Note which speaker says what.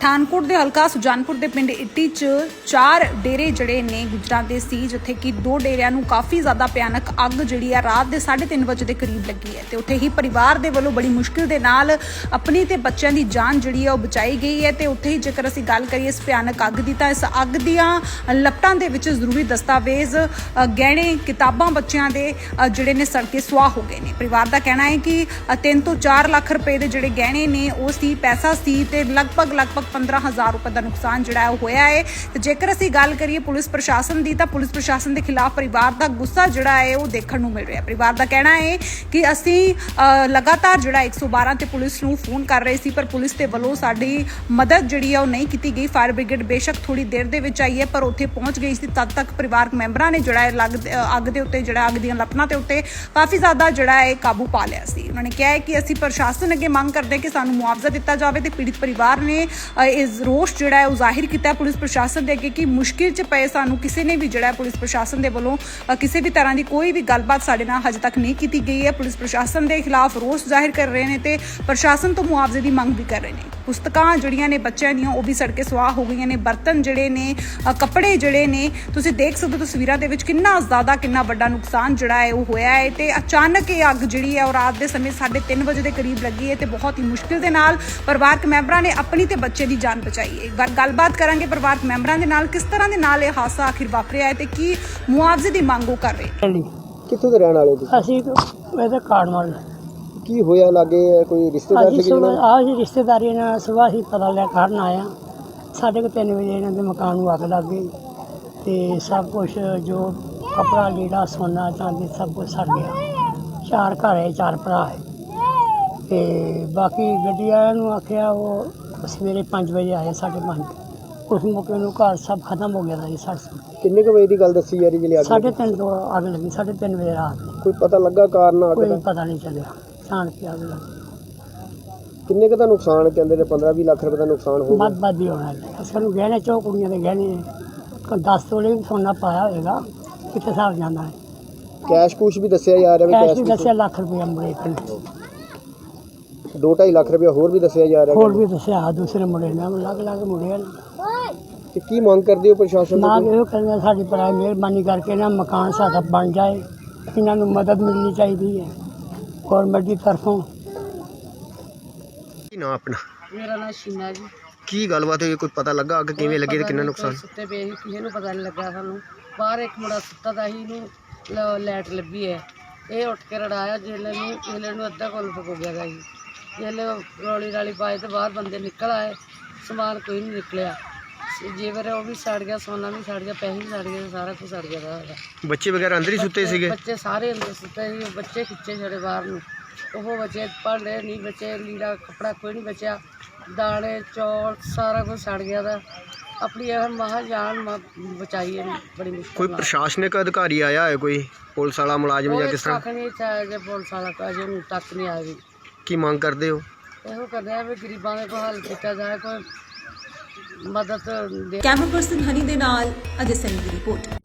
Speaker 1: ਪਠਾਨਕੋਟ ਦੇ ਹਲਕਾ ਸੁਜਾਨਪੁਰ ਦੇ ਪਿੰਡ ਇੱਟੀ 'ਚ 4 ਡੇਰੇ ਜਿਹੜੇ ਨੇ ਗੁਜਰਾਂ ਦੇ ਸੀ, ਜਿੱਥੇ ਕਿ 2 ਡੇਰਿਆਂ ਨੂੰ ਕਾਫੀ ਜ਼ਿਆਦਾ ਭਿਆਨਕ ਅੱਗ ਜਿਹੜੀ ਆ ਰਾਤ ਦੇ 3:30 ਵਜੇ ਦੇ ਕਰੀਬ ਲੱਗੀ ਹੈ ਤੇ ਉੱਥੇ ਹੀ ਪਰਿਵਾਰ ਦੇ ਵੱਲੋਂ ਬੜੀ ਮੁਸ਼ਕਿਲ ਦੇ ਨਾਲ ਆਪਣੀ ਤੇ ਬੱਚਿਆਂ ਦੀ ਜਾਨ ਜਿਹੜੀ ਆ ਉਹ ਬਚਾਈ ਗਈ ਹੈ। ਤੇ ਉੱਥੇ ਹੀ ਜੇਕਰ ਅਸੀਂ ਗੱਲ ਕਰੀਏ ਇਸ ਭਿਆਨਕ ਅੱਗ ਦੀ, ਤਾਂ ਇਸ ਅੱਗ ਦੀਆਂ ਲਪਟਾਂ ਦੇ ਵਿੱਚ ਜ਼ਰੂਰੀ ਦਸਤਾਵੇਜ਼, ਗਹਿਣੇ, ਕਿਤਾਬਾਂ ਬੱਚਿਆਂ ਦੇ ਜਿਹੜੇ ਨੇ ਸੜ ਕੇ ਸੁਆਹ ਹੋ ਗਏ ਨੇ। ਪਰਿਵਾਰ ਦਾ ਕਹਿਣਾ ਹੈ ਕਿ 3 ਤੋਂ 4 ਲੱਖ ਰੁਪਏ ਦੇ ਜਿਹੜੇ ਗਹਿਣੇ ਨੇ ਉਹ ਸੀ, ਪੈਸਾ ਸੀ ਤੇ ਲਗਭਗ 15,000 रुपए का नुकसान जोड़ा होया है। तो जेकर असीं गल करिए पुलिस प्रशासन की, तो पुलिस प्रशासन के खिलाफ परिवार का गुस्सा जोड़ा है वो देखने को मिल रहा है। परिवार का कहना है कि असीं लगातार जोड़ा 112 ते पुलिस नूं फोन कर रहे सी, पर पुलिस के वलों साडी मदद जिहड़ी है वो नहीं की गई। फायर ब्रिगेड बेशक थोड़ी देर दे विच आई है, पर उत्थे पहुंच गई सी। तद तक परिवारक मैंबरां ने जोड़ा अग दे उत्ते जोड़ा अग दीआं लपटां ते उत्ते काफ़ी ज़्यादा जोड़ा है काबू पा लिया सी। उन्होंने कहा है कि असीं प्रशासन अगे मंग करदे कि सानूं मुआवजा दिता जावे। ते पीड़ित परिवार ने इस रोष जोड़ा है जाहिर किया पुलिस प्रशासन के अगे कि मुश्किल च पे सानू किसी ने भी जोड़ा पुलिस प्रशासन के वलों किसी भी तरह की कोई भी गलबात साडे नाल हजे तक नहीं की गई है। पुलिस प्रशासन के खिलाफ रोष जाहिर कर रहे हैं ते प्रशासन तो मुआवजे की मंग भी कर रहे हैं। पुस्तकां जिहड़ियां ने बच्चों दियां वो भी सड़के सुआह हो गई ने। बर्तन जिहड़े ने, कपड़े जिहड़े ने, तुसीं देख सकदे हो तस्वीरां दे विच किन्ना ज़्यादा किन्ना वड्डा नुकसान जिहड़ा है वो होया है। ते अचानक ये अग जिहड़ी है और रात के समय 3:30 बजे के करीब लगी है। ते बहुत ही मुश्किल दे नाल परिवारक मैंबरां ने अपनी ते बच्चे की जान बचाई है। एक बार गलबात करांगे परिवारक मैंबरां दे नाल किस तरह दे नाल ये हादसा आखिर वापरिया है ते की मुआवजे की मंग वो कर रहे।
Speaker 2: कित्थों दे रहण वाले तुसीं?
Speaker 3: ਅਸੀਂ ਇਹਦੇ ਕਾਰਨਵਾਲ
Speaker 2: की होया लागे कोई रिश्तेदार
Speaker 3: ਅਸੀਂ
Speaker 2: थे जिन्होंने
Speaker 3: ਆਹ ਜੀ ਰਿਸ਼ਤੇਦਾਰੀ ਨਾਲ ਸੁਬਾਹ ਹੀ ਪਤਾ ਲਿਆ ਕਾਰਨ ਆਇਆ। 3:30 ਵਜੇ ਇਹਨਾਂ ਦੇ ਮਕਾਨ ਨੂੰ ਅੱਗ ਲੱਗ ਗਈ ਤੇ ਸਭ ਕੁਝ ਜੋ ਕਪੜਾ ਲੀੜਾ ਸੋਨਾ ਚਾਂਦੀ ਸਭ ਕੁਝ ਸੜ ਗਿਆ। 4 ਘਰ ਹੈ, 4 ਭਰਾ ਹੈ ਤੇ ਬਾਕੀ ਗੱਡੀ ਵਾਲਿਆਂ ਨੂੰ ਆਖਿਆ ਉਹ ਸਵੇਰੇ 5 ਵਜੇ ਆਏ, 5:30 ਉਸ ਮੌਕੇ ਨੂੰ ਘਰ ਸਭ ਖਤਮ ਹੋ ਗਿਆ था जी।
Speaker 2: किन्ने क बजे की गल दसी जा रही जिले अग
Speaker 3: 3:30 ਤੋਂ ਅੱਗ ਲੱਗੀ, 3:30 ਵਜੇ ਰਾਤ ਨੂੰ।
Speaker 2: कोई पता लगा कारण अग
Speaker 3: ਕੋਈ
Speaker 2: दा?
Speaker 3: ਪਤਾ ਨਹੀਂ ਚੱਲਿਆ, ਛਾਣ ਕੇ ਅੱਗ ਲੱਗੀ।
Speaker 2: किन्ने क दा नुकसान कहंदे ने 15-20 लाख रुपए का नुकसान हो गया।
Speaker 3: ਵੱਧ ਹੀ ਹੋਣਾ ਹੈ। ਸਾਨੂੰ ਗਹਿਣੇ ਚੋ ਕੁੜੀਆਂ ਦੇ ਗਹਿਣੇ 10 ਤੋਲੇ ਵੀ ਸੋਨਾ ਪਾਇਆ ਹੋਏਗਾ, ਕਿਤੇ ਹਿਸਾਬ ਜਾਂਦਾ ਹੈ।
Speaker 2: कैश कुछ भी दसिया जा रहा है
Speaker 3: ਕੈਸ਼ ਵੀ
Speaker 2: कैश
Speaker 3: ਦੱਸਿਆ ਲੱਖ ਰੁਪਇਆ ਮੁੰਡੇ ਕੋਲ,
Speaker 2: 2-2.5 लाख रुपया होर भी दसिया जा रहा
Speaker 3: ਹੋਰ
Speaker 2: है।
Speaker 3: ਵੀ ਦੱਸਿਆ ਦੂਸਰੇ ਮੁੰਡੇ ਨਾਲ ਅਲੱਗ ਮੁੰਡੇ ਹਨ।
Speaker 2: ते की मांग करदे हो प्रशासन
Speaker 3: ਨਾ
Speaker 2: तो?
Speaker 3: ਇਹੋ ਕਹਿੰਦੇ ਸਾਡੀ ਪਰਾਈ ਮਿਹਰਬਾਨੀ ਕਰਕੇ ਨਾ ਮਕਾਨ ਸਾਡਾ ਬਣ ਜਾਏ, ਇਹਨਾਂ ਨੂੰ ਮਦਦ ਮਿਲਣੀ ਚਾਹੀਦੀ ਹੈ ਗੌਰਮੈਂਟ ਦੀ ਤਰਫੋਂ।
Speaker 2: की ना अपना
Speaker 4: ਮੇਰਾ ਨਾਮ ਸ਼ੀਨਾ ਜੀ।
Speaker 2: की गलबात हुई? कोई पता लगा अग किवें लगी ते किन्ना नुकसान?
Speaker 4: ਸੁੱਤੇ ਪਏ ਸੀ, ਕਿਸੇ ਨੂੰ ਪਤਾ ਨਹੀਂ ਲੱਗਾ। ਸਾਨੂੰ ਬਾਹਰ ਇੱਕ ਮੁੰਡਾ ਸੁੱਤਾ ਦਾ ਸੀ, ਇਹਨੂੰ ਲਾਈਟ ਲੱਭੀ ਹੈ। ਇਹ ਉੱਠ ਕੇ ਰੜਾਇਆ ਜਿਹਲੇ ਨੂੰ ਅੱਧਾ ਕੋਲ ਹੋ ਗਿਆ ਗਾ ਜੀ। ਜਿਹਲੇ ਰੌਲੀ ਰਾਲੀ ਪਾਏ ਤੇ ਬਾਹਰ ਬੰਦੇ ਨਿਕਲ ਆਏ, ਸਮਾਨ ਕੋਈ ਨਹੀਂ ਨਿਕਲਿਆ। ਜੇਵਰ ਉਹ ਵੀ ਸੜ ਗਿਆ, ਸੋਨਾ ਵੀ ਸੜ ਗਿਆ, ਪੈਸੇ ਵੀ ਸੜ ਗਏ, ਸਾਰਾ ਕੁਝ ਸੜ ਗਿਆ ਸਾਡਾ।
Speaker 2: बच्चे वगैरह अंदर ही सुते सीगे?
Speaker 4: ਬੱਚੇ ਸਾਰੇ ਅੰਦਰ ਸੁੱਤੇ ਸੀ, ਬੱਚੇ ਖਿੱਚੇ ਛੜੇ ਬਾਹਰ ਨੂੰ। ਉਹ ਬੱਚੇ ਭਾਂਡੇ ਨਹੀਂ ਬਚੇ, ਲੀੜਾ ਕੱਪੜਾ ਕੋਈ ਨਹੀਂ ਬਚਿਆ, ਦਾਣੇ ਚੌਲ ਸਾਰਾ ਕੁਝ ਸੜ ਗਿਆ ਦਾ। अपनी यह महाजान बचाई है बड़ी मुश्किल।
Speaker 2: कोई प्रशासनिक अधिकारी आया है, कोई पुलिस वाला मुलाजिम या किस तरह?
Speaker 4: पुलिस वाला तक नहीं आया।
Speaker 2: की मांग करते हो?
Speaker 4: ਇਹੋ ਕਰਦੇ ਆ ਵੀ ਗਰੀਬਾਂ ਦੇ ਕੋਈ ਹੱਲ ਕੀਤਾ ਜਾਏ, ਕੋਈ ਮਦਦ ਦੇ।
Speaker 1: कैमरा पर्सन हनी दे नाल अजय सैनी की रिपोर्ट।